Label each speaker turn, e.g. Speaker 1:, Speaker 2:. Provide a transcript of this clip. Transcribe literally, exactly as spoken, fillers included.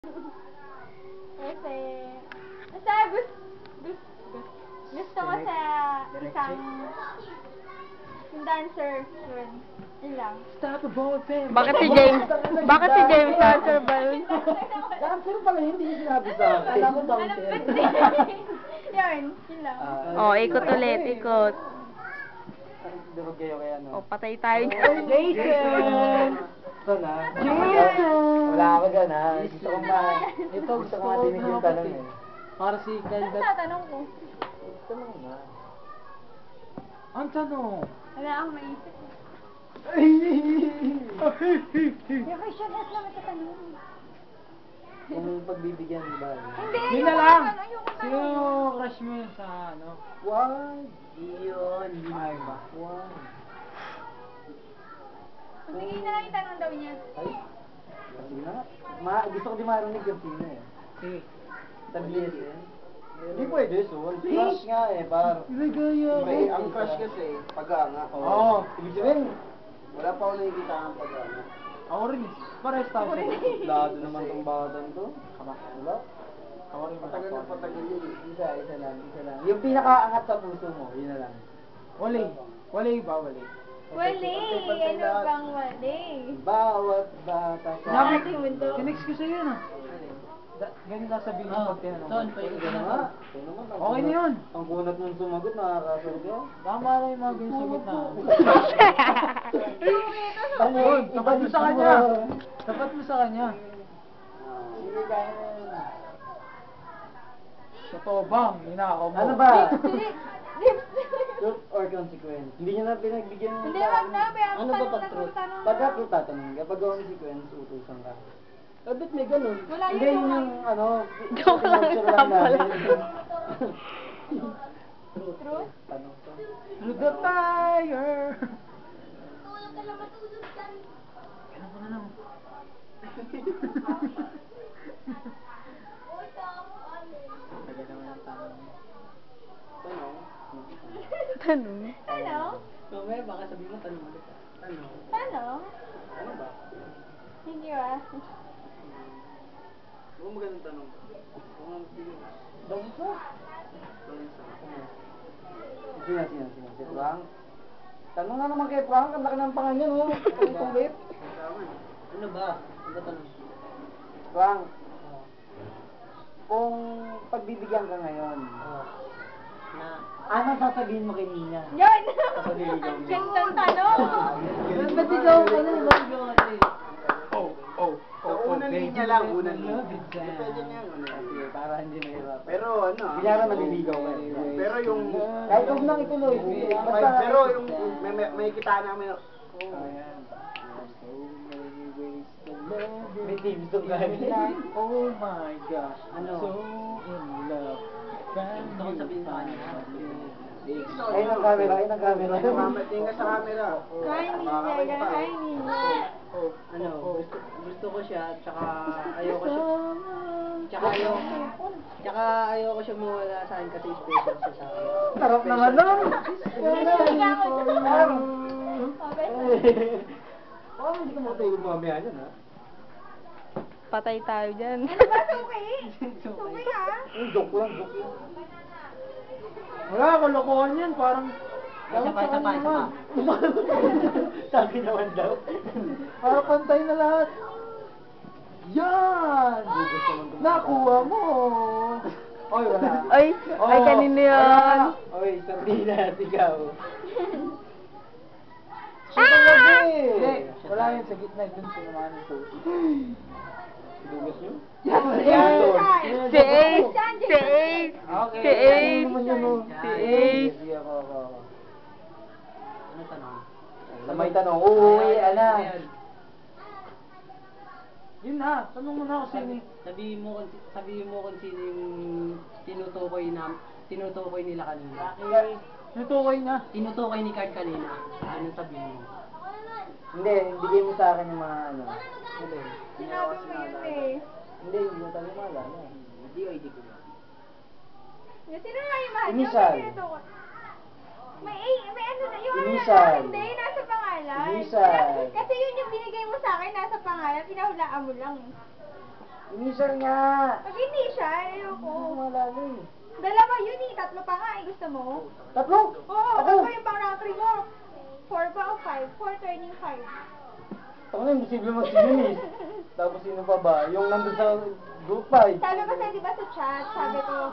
Speaker 1: Kasi, basta gusto, gusto, gusto ko sa isang yung dancer, yun. Yun lang.
Speaker 2: Stop the ball, pen.
Speaker 3: Bakit si James? Bakit si James dancer ba yun?
Speaker 2: Dancer pala, hindi yung sinabi sa akin. Kala ko
Speaker 1: Alam
Speaker 2: bouncer.
Speaker 1: ba't din? Yun, yun lang.
Speaker 3: Oh, ikot ulit, ikot.
Speaker 2: Durog kayo kaya no?
Speaker 3: Oh, patay tayo.
Speaker 2: Jason! Ito na.
Speaker 3: Jason!
Speaker 2: Wala ako dyan ha. Gusto ko ma... Ito gusto ko matinig yung tanong eh. Para si
Speaker 1: Ano
Speaker 2: Kyle.
Speaker 1: sa tanong ko?
Speaker 2: Tanong na. Ang tanong?
Speaker 1: Wala akong maisip. Yung question has naman sa tanong.
Speaker 2: Kung pagbibigyan ba?
Speaker 1: Hindi,
Speaker 2: Yun na
Speaker 1: ayoko
Speaker 2: lang.
Speaker 1: naman, ayoko naman.
Speaker 2: Sino crush mo yun sa ano? Why? Yun. Ay ba? Why?
Speaker 1: Sige na lang yung tanong daw niya.
Speaker 2: Ay? Sige na nga. Ma, gusto ko di marinig yung sino eh. Sige. Tablias eh. Hindi pwede, Sol. Crush nga eh, par. Ligaya.
Speaker 4: May, ang crush kasi, pag-anga.
Speaker 2: Oo. Ibig sabihin,
Speaker 4: Wala pa ako nakikita ang pag-anga.
Speaker 2: ako rin. Pares tayo.
Speaker 4: Lado naman tong batan to.
Speaker 2: Kama. Wala. Ako rin.
Speaker 4: Patagal na patagal yun.
Speaker 2: Isa, isa lang, isa lang. Yung pinakaangat sa puso mo, yun na lang. Wali. Wali ba? Wali.
Speaker 1: Wali! Ano bang wali?
Speaker 2: Bawat bata sa...
Speaker 1: Sinabi ko,
Speaker 2: Kinex ko sa'yo na. Da- Ganun na sabihin mo pag tinanong. Son,
Speaker 4: Ito naman. Ito naman. ang
Speaker 2: Okay na
Speaker 4: kunat-
Speaker 2: yun.
Speaker 4: Ang kunat mong sumagot, nakakasagot yan.
Speaker 2: Tama na yung mga ganyan sagot na.
Speaker 1: Ano
Speaker 2: Ayun, tapat mo sa kanya. Tapat mo sa kanya.
Speaker 4: Sige, kaya na yun.
Speaker 2: Totoo bang? Ninakaw mo.
Speaker 4: Ano ba?
Speaker 1: Lips!
Speaker 4: Truth or consequence? Hindi niya na pinagbigyan ng
Speaker 1: Hindi, wag na. Kaya
Speaker 4: Ano ba pag truth? Pagka truth tatanong, kapag consequence, utusan ka. Ah, ba't may ganun?
Speaker 1: Wala
Speaker 4: Hindi
Speaker 1: yun,
Speaker 4: yun
Speaker 1: wala.
Speaker 4: yung ano,
Speaker 3: Joke lang,
Speaker 4: pinag-picture
Speaker 3: sample
Speaker 4: namin.
Speaker 1: Truth?
Speaker 4: Tanong ko.
Speaker 2: Through the fire. Kailan ko na lang. Tagal naman ang tanong.
Speaker 4: Tanong?
Speaker 3: Tanong.
Speaker 1: Ano?
Speaker 4: Mamaya baka sabihin mo tanong ulit. Tanong?
Speaker 1: Ano?
Speaker 4: Ano ba?
Speaker 1: Hindi ba?
Speaker 4: Kung magandang tanong ba? Kung ang sige.
Speaker 2: Bansa.
Speaker 4: Bansa.
Speaker 2: Sino, sino, sino? Si Frank? Tanong nga naman kay Frank, ang laki ng pangan yan, oh. Ang kulit.
Speaker 4: Tama. Ano ba? Ano ba tanong?
Speaker 2: Frank, kung pagbibigyan ka ngayon,
Speaker 4: Na?
Speaker 2: ano sasabihin mo kay Nina?
Speaker 1: Yun!
Speaker 2: Kapag niligaw
Speaker 1: Ang
Speaker 2: mo.
Speaker 1: gandang tanong!
Speaker 2: Ba't ikaw ka na? Ba't ikaw ka na? Oh, oh,
Speaker 4: Sa unang linya lang, unang linya. Pwede na yan, unang
Speaker 2: Sige,
Speaker 4: linya.
Speaker 2: para hindi mahirap.
Speaker 4: Pero ano ah.
Speaker 2: Bilyara maliligaw ka eh.
Speaker 4: Pero yung...
Speaker 2: Kahit huwag nang ituloy. Sige,
Speaker 4: May-
Speaker 2: basta...
Speaker 4: Pero yung may, may, may kita namin.
Speaker 2: Ayan. May team song ka. Oh my gosh, I'm
Speaker 4: Ano?
Speaker 2: so in love.
Speaker 4: Gusto ko sabihin sa kanya.
Speaker 2: Ayun ang camera, ayun ang camera.
Speaker 4: Mama, tingin ka sa camera.
Speaker 1: Hi, Ninja! Hi, Ninja!
Speaker 4: Ano, gusto, gusto ko siya, tsaka ayoko siya. Tsaka ayoko, tsaka ayoko siya mawala sa akin kasi special siya sa akin.
Speaker 2: Sarap naman nun. Oh, hindi ka matulog mamaya dyan, ha?
Speaker 3: Patay tayo dyan.
Speaker 1: Ano ba? Suki? Suki ha?
Speaker 2: Eh, joke lang, joke lang. Wala, kalokohan yan. Parang...
Speaker 4: Isa pa, isa pa, isa pa.
Speaker 2: Sabi naman daw. Para pantay na lahat. Yan! Nakuha mo! Oy, wala.
Speaker 3: Ay, ay kanino yun?
Speaker 2: Oy, sardinas, ikaw. Siya talaga eh. Hindi, wala yun sa gitna. Doon sa naman ito. Dugas nyo? Yan! Yan!
Speaker 3: Si Ace! Si Ace!
Speaker 2: Okay.
Speaker 3: Si Ace!
Speaker 2: Ano naman yun, oh?
Speaker 3: Si Ace!
Speaker 2: Sige, ako, ako, ako.
Speaker 4: Ano tanong?
Speaker 2: Na may tanong, uuwi, ala. Yun na, tanong mo na ako sino.
Speaker 4: Sabihin mo kung sabihin mo kung sino yung tinutukoy na tinutukoy nila kanina.
Speaker 2: Okay. Natukoy na.
Speaker 4: Tinutukoy ni Card kanina. Ano sabihin mo?
Speaker 2: Hindi, bigay mo sa akin yung mga ano.
Speaker 4: Ano?
Speaker 1: Sinabi mo yun eh.
Speaker 2: Hindi, hindi mo tayo maalala.
Speaker 4: Hindi o hindi ko ba?
Speaker 1: Sino nga yung mahal?
Speaker 2: Initial.
Speaker 1: Yung tinutukoy. May, eh, may ano na, yung ano
Speaker 2: Initial.
Speaker 1: na, hindi, nasa pangalan.
Speaker 2: Initial.
Speaker 1: Kasi yun yung binigay mo sa akin, nasa pangalan, pinahulaan mo lang.
Speaker 2: Initial nga.
Speaker 1: Pag hindi siya, ayoko.
Speaker 2: Oo, malala eh.
Speaker 1: Dalawa yun eh, tatlo pa nga eh, gusto mo?
Speaker 2: Tatlo?
Speaker 1: Oo,
Speaker 2: Ako?
Speaker 1: tatlo yung pang rank three mo. Four ba o five? Four turning five.
Speaker 2: Ako na, imposible mag-sinimis. Tapos sino pa ba? Yung nandun sa group five.
Speaker 1: Sabi ko sa'yo, di ba sa chat, sabi ko,